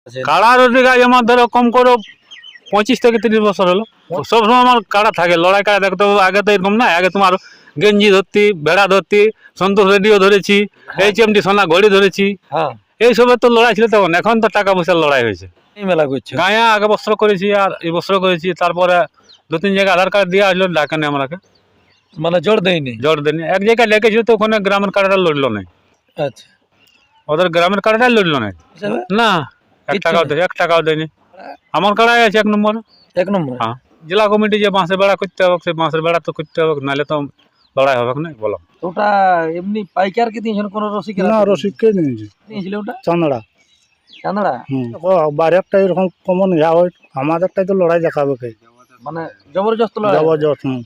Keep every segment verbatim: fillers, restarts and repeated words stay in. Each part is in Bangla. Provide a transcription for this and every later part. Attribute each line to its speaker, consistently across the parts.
Speaker 1: কাড়া রসিক আজ আমার ধরো কম করে পঁচিশ থেকে তিরিশ বছর হলো। সবসময় আমার কাড়া থাকে, লড়াই কাড়া দেখতে। আগে তো এরকম না, আগে তোমার গেঞ্জি ধরতি, ভেড়া ধরতি, সন্তোষ রেডিও ধরেছি, এইচ এম ডি সোনা ঘড়ি ধরেছি, এইসবের তো লড়াই ছিল তখন। এখন তো টাকা পয়সার লড়াই হয়েছে।
Speaker 2: মেলা করছে
Speaker 1: গায়ে আগে বস্ত্র করেছি আর এই বস্ত্র করেছি, তারপরে দু তিন জায়গায় আধার কার্ড দিয়ে আসলো, ডাকেনি আমাকে,
Speaker 2: মানে জোর দেয়নি।
Speaker 1: জোর দেয়নি। এক জায়গায় লেগেছিল তো ওখানে গ্রামের কাড়াটা লড়লো না।
Speaker 2: আচ্ছা,
Speaker 1: ওদের গ্রামের কাড়াটাই লড়লো না। না, এক টাকাও দেয় এক টাকাও দেয়নি। আমার কাড়াই আছে এক নম্বর।
Speaker 2: এক নম্বর।
Speaker 1: হ্যাঁ, জেলা কমিটি যে বাঁশের বেড়া করতে হবে, সেই বাঁশের বেড়া তো করতে হবে, নাহলে তো লড়াই হবে না। বলো,
Speaker 2: ওটা এমনি পাইকারকে দিয়েছেন কোন রসিক?
Speaker 3: না, রসিককে নিয়েছি।
Speaker 2: দিয়েছিল ওটা
Speaker 3: চান্দড়া।
Speaker 2: চান্দড়া।
Speaker 3: হুম, বাইরেরটা এরকম কমন ইয়া হয়, আমাদেরটাই তো লড়াই দেখাবে কে,
Speaker 2: মানে জবরদস্ত লড়াই।
Speaker 3: জবরদস্ত। হুম।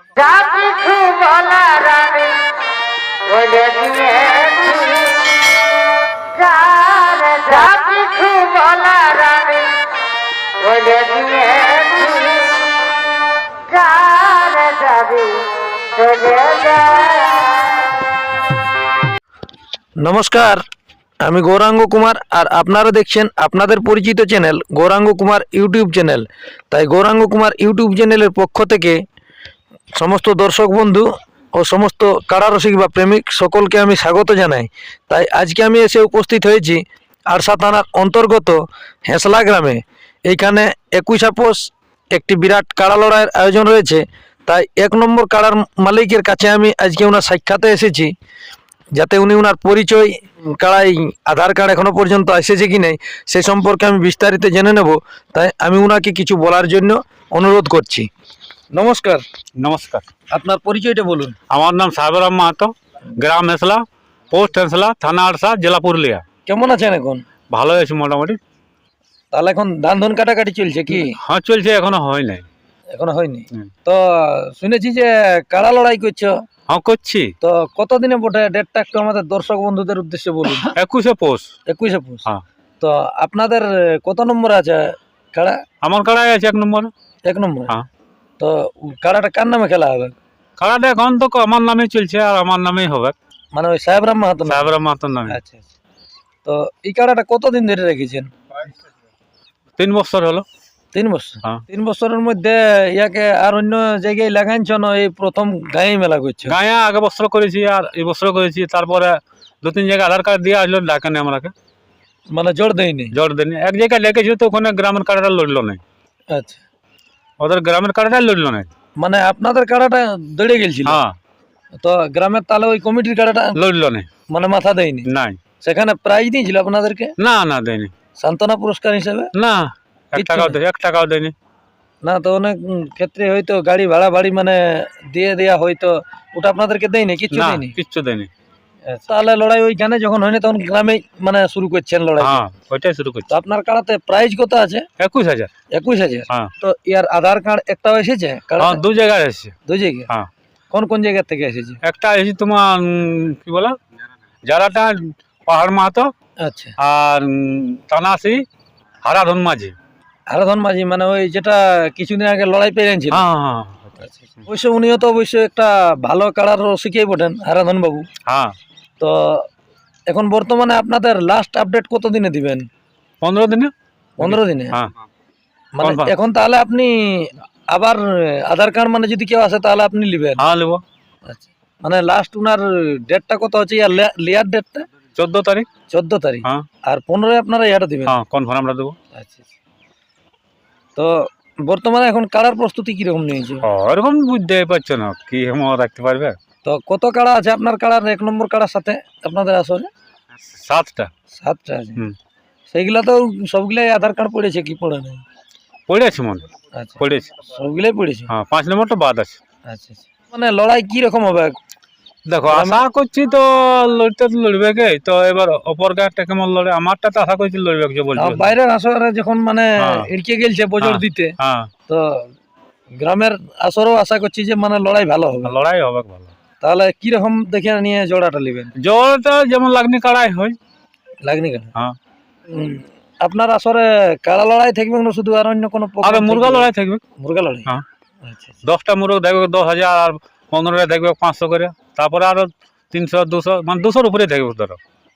Speaker 2: নমস্কার, আমি গৌরাঙ্গ কুমার আর আপনারা দেখছেন আপনাদের পরিচিত channel Gouranga Kumar YouTube channel. তাই গৌরাঙ্গ কুমার ইউটিউব চ্যানেলের পক্ষ থেকে সমস্ত দর্শক বন্ধু ও সমস্ত কাড়া রসিক বা প্রেমিক সকলকে আমি স্বাগত জানাই। তাই আজকে আমি এসে উপস্থিত হয়েছি আরসা থানার অন্তর্গত হেঁসলা গ্রামে। এইখানে একুশ আপোষ একটি বিরাট কাড়া লড়াইয়ের আয়োজন রয়েছে। তাই এক নম্বর কাড়ার মালিকের কাছে আমি আজকে ওনার সাক্ষাতে এসেছি, যাতে উনি ওনার পরিচয়, কাড়াই আধার কার্ড এখনো পর্যন্ত এসেছে কি নেই সে সম্পর্কে আমি বিস্তারিত জেনে নেব। তাই আমি ওনাকে কিছু বলার জন্য অনুরোধ করছি। নমস্কার।
Speaker 1: নমস্কার।
Speaker 2: আপনার পরিচয়টা বলুন।
Speaker 1: আমার নাম সাহেবরাম মাহাতো, গ্রাম হেঁসলা, পোস্ট হেঁসলা, থানা আরসা, জেলা পুরুলিয়া।
Speaker 2: কেমন আছেন এখন?
Speaker 1: ভালো আছি মোটামুটি।
Speaker 2: তাহলে এখন ধান ধন কাটাকাটি চলছে কি?
Speaker 1: হ্যাঁ চলছে, এখনো হয় নাই।
Speaker 2: এখনো হয়নি?
Speaker 1: হুম।
Speaker 2: তো শুনেছি যে কাড়া লড়াই করছো।
Speaker 1: হ্যাঁ করছি।
Speaker 2: তো কতদিনে বটে ডেটটা একটু আমাদের দর্শক বন্ধুদের উদ্দেশ্যে বলুন।
Speaker 1: একুশে পৌষ।
Speaker 2: একুশে পৌষ।
Speaker 1: হ্যাঁ।
Speaker 2: তো আপনাদের কত নম্বর আছে কাড়া?
Speaker 1: আমার কাড়াই আছে এক নম্বর।
Speaker 2: এক নম্বর।
Speaker 1: হ্যাঁ।
Speaker 2: তো কাড়াটা কার নামে খেলা হবে?
Speaker 1: কাড়াটা এখন তো আমার নামে চলছে আর আমার নামেই হবে,
Speaker 2: মানে ওই সাহেবরাম মাহাতো নামে?
Speaker 1: সাহেবরাম মাহাতোর নামে।
Speaker 2: আচ্ছা আচ্ছা। তো এই কাড়াটা কতদিন ধরে রেখেছেন?
Speaker 1: তিন বছর হলো।
Speaker 2: তিন বছর।
Speaker 1: হ্যাঁ।
Speaker 2: তিন বছরের মধ্যে ইয়াকে আর অন্য জায়গায় লাগাইছ না, এই প্রথম গায়ে মেলা করছে?
Speaker 1: গায়ে আগে বস্ত্র করেছি আর এই বস্ত্র করেছি, তারপরে দু তিন জায়গায় আধার কার্ড দিয়ে আসলো, ডাকেনি আমাকে,
Speaker 2: মানে জোর দেয়নি?
Speaker 1: জোর দেয়নি। এক জায়গায় লেগেছিল তো ওখানে গ্রামের কাড়াটা লড়লো না।
Speaker 2: আচ্ছা,
Speaker 1: ওদের গ্রামের কাড়াটাই লড়লো না।
Speaker 2: মানে আপনাদের কাড়াটা দৌড়ে গেছিল?
Speaker 1: হ্যাঁ।
Speaker 2: তো গ্রামের তাহলে ওই কমিটির কাড়াটা
Speaker 1: লড়লো না।
Speaker 2: মানে মাথা দেয়নি?
Speaker 1: নাই।
Speaker 2: সেখানে প্রাইজ দিয়েছিল আপনাদেরকে?
Speaker 1: না না দেয়নি।
Speaker 2: সান্ত্বনা পুরস্কার হিসেবে?
Speaker 1: না, এক
Speaker 2: কিচ্ছু
Speaker 1: টাকাও
Speaker 2: নেই?
Speaker 1: দেয় এক টাকাও দেয়নি।
Speaker 2: না, তো অনেক উম, ক্ষেত্রে হয়তো গাড়ি ভাড়া বাড়ি মানে দিয়ে দেয়া হয়তো, ওটা আপনাদেরকে দেয়নি? কিচ্ছু
Speaker 1: না,
Speaker 2: দেয়নি?
Speaker 1: কিচ্ছু দেয়নি।
Speaker 2: তাহলে লড়াই ওইখানে যখন হয়নি তখন গ্রামে মানে শুরু করছেন লড়াই?
Speaker 1: হ্যাঁ, ওইটাই শুরু করছি।
Speaker 2: তো আপনার কাড়াতে প্রাইজ কত আছে?
Speaker 1: একুশ হাজার।
Speaker 2: একুশ হাজার।
Speaker 1: হ্যাঁ।
Speaker 2: তো ইয়ার আধার কার্ড একটাও এসেছে?
Speaker 1: হ্যাঁ, দু জায়গায় এসেছে।
Speaker 2: দুই জায়গায়?
Speaker 1: হ্যাঁ।
Speaker 2: কোন কোন জায়গা থেকে এসেছে?
Speaker 1: একটা এসেছে তোমার উম, কি বলো, যারাটা পাহাড় মাহাতো,
Speaker 2: আচ্ছা।
Speaker 1: আর উম, তানাসি হারাধন মাঝি।
Speaker 2: হারাধন মাঝি, মানে ওই যেটা কিছুদিন আগে লড়াই পেয়েছিল?
Speaker 1: হ্যাঁ হ্যাঁ
Speaker 2: অবশ্য উনিও তো অবশ্যই একটা ভালো কাড়ার রসিকই বটেন, হারাধন বাবু।
Speaker 1: হ্যাঁ।
Speaker 2: তো এখন বর্তমানে আপনাদের লাস্ট আপডেট কত দিনে দিবেন?
Speaker 1: পনেরো দিনে।
Speaker 2: পনেরো দিনে?
Speaker 1: হ্যাঁ।
Speaker 2: মানে
Speaker 1: confirm।
Speaker 2: এখন তাহলে আপনি আবার আধার কার্ড মানে যদি কেউ আসে তাহলে আপনি নেবেন?
Speaker 1: হ্যাঁ নেবো।
Speaker 2: আচ্ছা, মানে লাস্ট উনার ডেটটা কত হচ্ছে, ইয়ার লিয়ার ডেটটা?
Speaker 1: চোদ্দ তারিখ।
Speaker 2: চোদ্দ তারিখ।
Speaker 1: হ্যাঁ।
Speaker 2: আর পনেরোই আপনারা ইয়াটা দিবেন?
Speaker 1: হ্যাঁ, কনফার্ম আমরা দেবো।
Speaker 2: আচ্ছা। তো বর্তমানে এখন কাড়ার প্রস্তুতি কিরকম নিয়েছে?
Speaker 1: ওরকম বুঝতে পারছো না, কি হেম রাখতে পারবে।
Speaker 2: তো কত কাড়া আছে আপনার কাড়ার এক নম্বর কাড়ার সাথে আপনাদের আসলে?
Speaker 1: সাতটা।
Speaker 2: সাতটা আছে।
Speaker 1: হুম।
Speaker 2: সেইগুলা তো সবগুলাই আধার কার্ড পড়েছে কি পড়ে নাই?
Speaker 1: পড়েছে মনে,
Speaker 2: আচ্ছা,
Speaker 1: পড়েছে।
Speaker 2: সবগুলাই পড়েছে?
Speaker 1: হ্যাঁ, পাঁচ নম্বরটা বাদ আছে।
Speaker 2: আচ্ছা আচ্ছা। মানে লড়াই কি রকম হবে?
Speaker 1: দেখো, আশা করছি তো লড়তে তো লড়বে কে, তো এবার অপর গাঁটা কেমন লড়ে, আমারটা তো আশা করছি লড়বে যে বলছে।
Speaker 2: আর বাইরের আসরে যখন মানে
Speaker 1: হ্যাঁ।
Speaker 2: এড়কে গেলছে বজর
Speaker 1: হ্যাঁ।
Speaker 2: দিতে,
Speaker 1: হ্যাঁ,
Speaker 2: তো গ্রামের আসরও আশা করছি যে মানে লড়াই ভালো হবে।
Speaker 1: লড়াই হবে ভালো।
Speaker 2: তাহলে কি রকম দেখে নিয়ে জোড়াটা নেবেন?
Speaker 1: জলটা যেমন লাগনি কাড়াই হয়।
Speaker 2: লাগনি কাড়া?
Speaker 1: হ্যাঁ।
Speaker 2: উম, আপনার আসরে কাড়া লড়াই থাকবে না শুধু, আর অন্য কোনো
Speaker 1: আর
Speaker 2: program
Speaker 1: মুরগা
Speaker 2: থাকবে?
Speaker 1: লড়াই থাকবে।
Speaker 2: মুরগা লড়াই?
Speaker 1: হ্যাঁ।
Speaker 2: আচ্ছা আচ্ছা।
Speaker 1: দশটা মুরগ দেখবে দশ হাজার, আর পনেরোটা দেখবে পাঁচশো করে, তারপরে আরো তিনশো দুশো, মানে দুশোর উপরে দেখবে ধরো।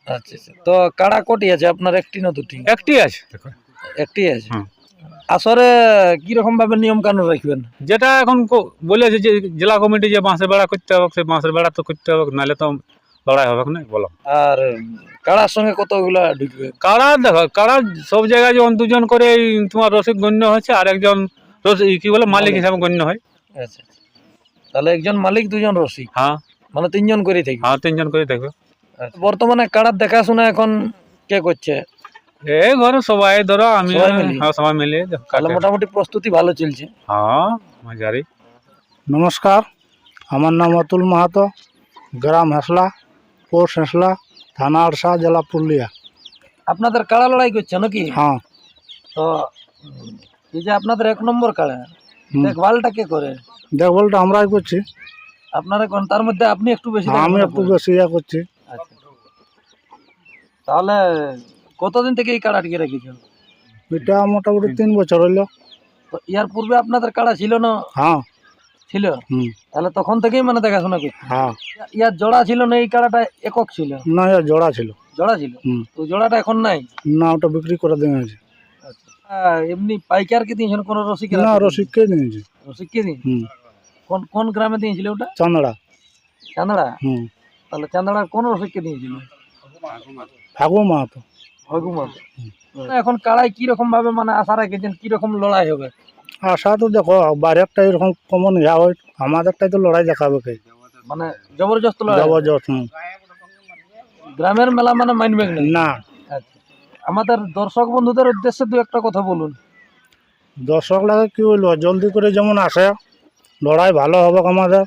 Speaker 2: আচ্ছা আচ্ছা, তো কাড়া কটি আছে আপনার, একটি না দুটি?
Speaker 1: একটি আছে।
Speaker 2: একটি আছে।
Speaker 1: হুম।
Speaker 2: আসরে কিরকম ভাবে নিয়ম কানুন রাখবেন?
Speaker 1: যেটা এখন ক- বলেছে যে জেলা কমিটি যে বাঁশের বেড়া করতে হবে, সেই বাঁশের বেড়া তো করতে হবে, নাহলে তো লড়াই হবে না। বলো,
Speaker 2: আর কাড়ার সঙ্গে কতগুলা ঢুকবে?
Speaker 1: কারা দেখো, কারা সব জায়গায় যেমন দুজন করে এই তোমার রসিক গণ্য হচ্ছে, আর একজন রসিক কি বলে মালিক হিসাবে গণ্য হয়।
Speaker 2: আচ্ছা, তাহলে একজন মালিক দুজন রসিক,
Speaker 1: হ্যাঁ
Speaker 2: মানে তিনজন করে থাকবে।
Speaker 1: হ্যাঁ, তিনজন করে থাকবে।
Speaker 2: আচ্ছা। বর্তমানে কাড়ার দেখাশোনা এখন কে করছে?
Speaker 1: এই ঘরে সবাই ধরো, আমি
Speaker 2: সবাই মিলে?
Speaker 1: হ্যাঁ সবাই মিলে দেখো,
Speaker 2: তাহলে
Speaker 1: কাটে।
Speaker 2: মোটামুটি প্রস্তুতি ভালো চলছে।
Speaker 1: হ্যাঁ মাঝারি।
Speaker 3: নমস্কার, আমার নাম অতুল মাহাতো, গ্রাম হেসলা, পোস্ট হেসলা, থানা আরসা, জেলা পুরুলিয়া।
Speaker 2: আপনাদের কাড়া লড়াই করছে নাকি?
Speaker 3: হ্যাঁ।
Speaker 2: তো উম, এই যে আপনাদের এক নম্বর কাড়া,
Speaker 3: হুম।
Speaker 2: দেখভালটা কে করে?
Speaker 3: দেখভালটা আমরাই করছি।
Speaker 2: আপনারা কোন, তার মধ্যে আপনি একটু বেশি
Speaker 3: আমি
Speaker 2: দেখভাল
Speaker 3: একটু
Speaker 2: করেন।
Speaker 3: বেশি ইয়া করছি।
Speaker 2: আচ্ছা। তাহলে কতদিন থেকে এই কাড়া টিকে রেখেছেন?
Speaker 3: এটা মোটামুটি তিন বছর হইলো।
Speaker 2: তো ইয়ার পূর্বে আপনাদের কাড়া ছিল না?
Speaker 3: হ্যাঁ।
Speaker 2: ছিল।
Speaker 3: হুম।
Speaker 2: তাহলে তখন থেকেই মানে দেখাশোনা করছে।
Speaker 3: হ্যাঁ।
Speaker 2: ইয়ার জোড়া ছিল না, এই কাড়াটা একক ছিল?
Speaker 3: না, এর জোড়া ছিল।
Speaker 2: জোড়া ছিল।
Speaker 3: হুম।
Speaker 2: তো জোড়াটা এখন নাই?
Speaker 3: না, ওটা বিক্রি করে দেওয়া হয়েছে।
Speaker 2: আহ, এমনি পাইকারকে দিয়েছেন কোন রসিকের?
Speaker 3: না, রসিককে দিয়েছে।
Speaker 2: রসিককে দিন।
Speaker 3: হুম।
Speaker 2: কোন কোন গ্রামে দিয়েছিল ওটা?
Speaker 3: চান্দড়া।
Speaker 2: চান্দড়া?
Speaker 3: হুম।
Speaker 2: তাহলে চান্দড়ার কোন রসিককে দিয়েছিল?
Speaker 3: ফাগু মাহাতো।
Speaker 2: হগুমাত। এখন কাড়াই কি রকম ভাবে মানে আশা রেখেছেন, কি রকম লড়াই হবে?
Speaker 3: আশা তো দেখো, বাইরেরটা এরকম কমন ইয়া হয়, আমাদেরটাই তো লড়াই দেখাবে কে।
Speaker 2: মানে জবরদস্ত লড়াই হবে?
Speaker 3: জবরদস্ত। হুম।
Speaker 2: গ্রামের মেলা মানে মানবে না?
Speaker 3: না,
Speaker 2: আচ্ছা। আমাদের দর্শক বন্ধুদের উদ্দেশ্যে দু একটা কথা বলুন।
Speaker 3: দর্শক লাগে কি হইলো, জলদি করে যেমন আসে, লড়াই ভালো হবে আমাদের,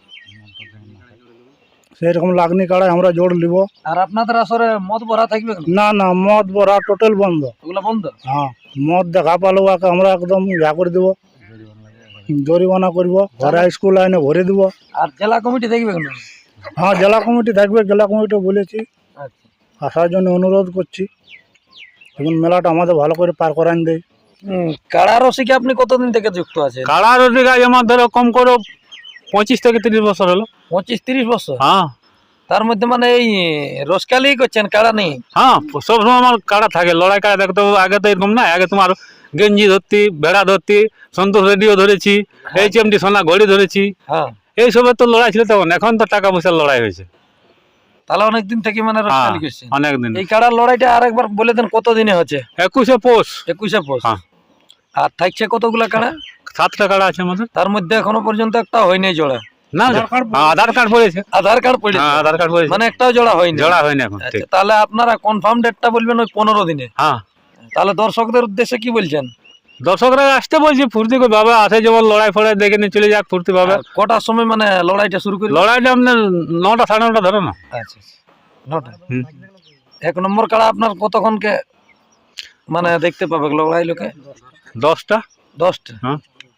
Speaker 3: সেরকম লাগনি কাড়াই আমরা জোর নিব।
Speaker 2: আর আপনাদের আসরে মদ ভরা থাকবে না?
Speaker 3: না না, মদ বড়া টোটাল বন্ধ।
Speaker 2: ওগুলা বন্ধ?
Speaker 3: হ্যাঁ, মদ দেখা পালো ওকে আমরা একদম ইয়া করে দেবো, জরিমানা করব, ঘরে স্কুল আইনে ভরে দিব।
Speaker 2: আর জেলা কমিটি দেখবে না?
Speaker 3: হ্যাঁ, জেলা কমিটি থাকবে, জেলা কমিটি বলেছি,
Speaker 2: আচ্ছা।
Speaker 3: আসার জন্য অনুরোধ করছি, এখন মেলাটা আমাদের ভালো করে পার করান দেয়।
Speaker 2: হুম, কাড়া রসিকে আপনি কতদিন থেকে যুক্ত আছেন?
Speaker 1: কাড়া রসিক আজ আমার ধরো কম করে পঁচিশ থেকে তিরিশ বছর হলো।
Speaker 2: পঁচিশ তিরিশ বছর?
Speaker 1: হ্যাঁ
Speaker 2: তার মধ্যে মানে এই রসকালি করছেন, কাড়া নেই?
Speaker 1: হ্যাঁ, সবসময় আমার কাড়া থাকে, লড়াই কাড়া দেখতে। আগে তো এরকম না, আগে তোমার গেঞ্জি ধরতি, ভেড়া ধরতি, সন্তোষ রেডিও ধরেছি, এইচ এম ডি সোনা ঘড়ি ধরেছি,
Speaker 2: হ্যাঁ।
Speaker 1: এইসবের তো লড়াই ছিল তখন। এখন তো টাকা পয়সার লড়াই হয়েছে।
Speaker 2: তাহলে অনেকদিন থেকে মানে
Speaker 1: হ্যাঁ,
Speaker 2: রসকালি করছেন।
Speaker 1: অনেকদিন।
Speaker 2: এই কাড়ার লড়াইটা আরেকবার বলে দেন, কত দিনে হচ্ছে?
Speaker 1: একুশে পৌষ।
Speaker 2: একুশে পৌষ।
Speaker 1: হ্যাঁ।
Speaker 2: আর থাকছে কতগুলা কাড়া?
Speaker 1: সাতটা কাড়া আছে আমাদের।
Speaker 2: তার মধ্যে এখনো পর্যন্ত একটা হয়নি জোড়া?
Speaker 1: না, হ্যাঁ, আধার কার্ড পড়েছে।
Speaker 2: আধার কার্ড পড়েছে?
Speaker 1: হ্যাঁ, আধার কার্ড পড়েছে,
Speaker 2: মানে একটাও জোড়া হয়নি?
Speaker 1: জোড়া হয়নি এখন।
Speaker 2: আচ্ছা,
Speaker 1: ঠিক।
Speaker 2: তাহলে আপনারা কনফার্ম ডেটটা বলবেন ওই পনেরো দিনে।
Speaker 1: হ্যাঁ,
Speaker 2: তাহলে দর্শকদের উদ্দেশ্যে কি বলছেন?
Speaker 1: দর্শকরা আসতে বলছি, ফুর্তি করে বাবা আসে, যেমন লড়াই ফড়াই দেখে নিয়ে চলে যাক ফুর্তি ভাবে।
Speaker 2: আর কটার সময় মানে লড়াইটা শুরু করি?
Speaker 1: লড়াইটা আপনার নটা সাড়ে নটা ধরো না।
Speaker 2: আচ্ছা, নটা।
Speaker 1: হুম।
Speaker 2: এক নম্বর কাড়া আপনার কতক্ষণকে মানে দেখতে পাবে লড়াই লোকে?
Speaker 1: দশটা।
Speaker 2: দশটা।
Speaker 1: হ্যাঁ।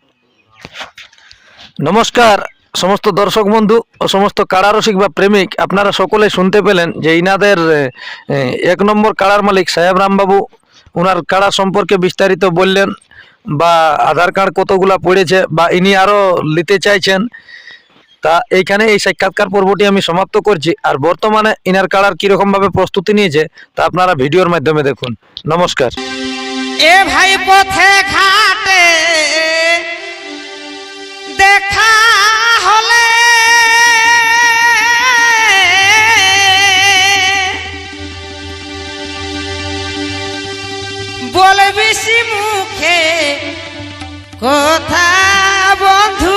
Speaker 2: নমস্কার সমস্ত দর্শক বন্ধু ও সমস্ত কাড়া রসিক বা প্রেমিক, আপনারা সকলে শুনতে পেলেন যে ইনাদের এ, এক নম্বর কাড়ার মালিক সাহেব রামবাবু ওনার কাড়া সম্পর্কে বিস্তারিত বললেন, বা আধার কার্ড কতগুলা পড়েছে, বা ইনি আরও নিতে চাইছেন। তা এইখানে এই সাক্ষাৎকার পর্বটি আমি সমাপ্ত করছি। আর বর্তমানে ইনার কাড়ার কীরকমভাবে প্রস্তুতি নিয়েছে তা আপনারা ভিডিওর মাধ্যমে দেখুন। নমস্কার।
Speaker 4: এ ভাই পথে ঘাটে দেখা হলে বলে বেশি মুখে কথা বন্ধু,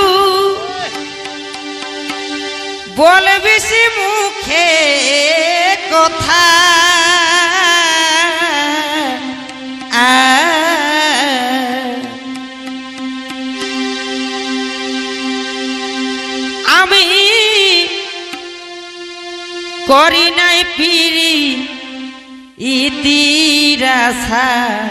Speaker 4: বলে বেশি মুখে কথা আমি করি নাই পিরি ইতিরাসা,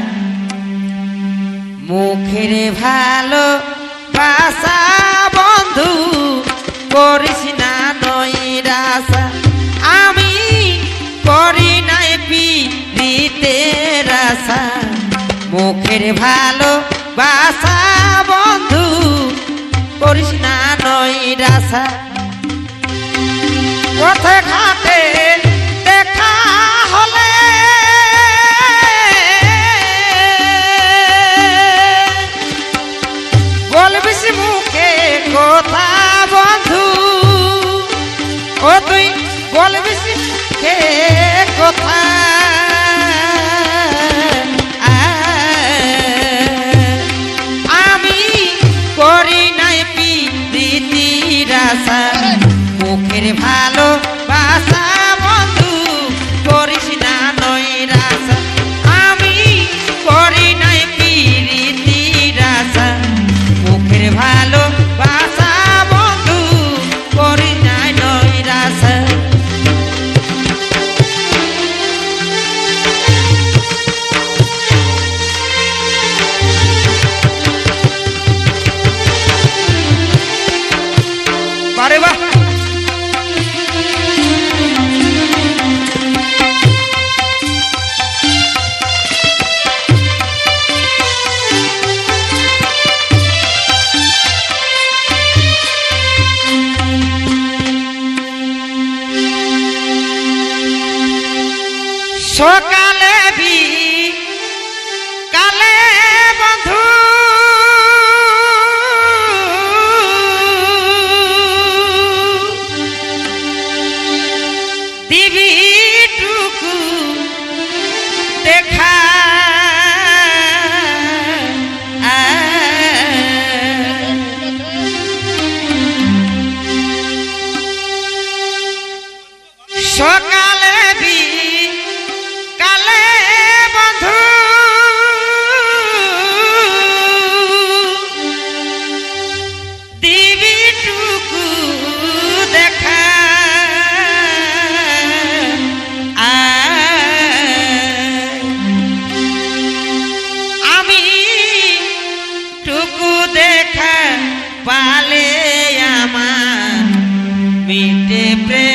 Speaker 4: মুখের ভালো বাসা বন্ধু করিস না নৈরাসা। আমি করি নাই পিরিতের আশা, মুখের ভালো বাসা বন্ধু করিস না নৈরাসা। পথে ঘাটে দেখা কথা বন্ধু ও তুই বলবি কে কথা আমি করি নাই প্রীতির আশা মুখের ভালো বাসা বন্ধু করিস না নৈরাশা আমি করি নাই প্রীতির আশা মুখের ভালো বাসা বন্ধু করি নাই নৈরাশা বারে বাহ সকালে বি কালে বন্ধু দিবি টুকু দেখা সকালে বি কালে বন্ধু দিবি টুকু দেখা আমি টুকু দেখা পালে আমার মিটে প্রেম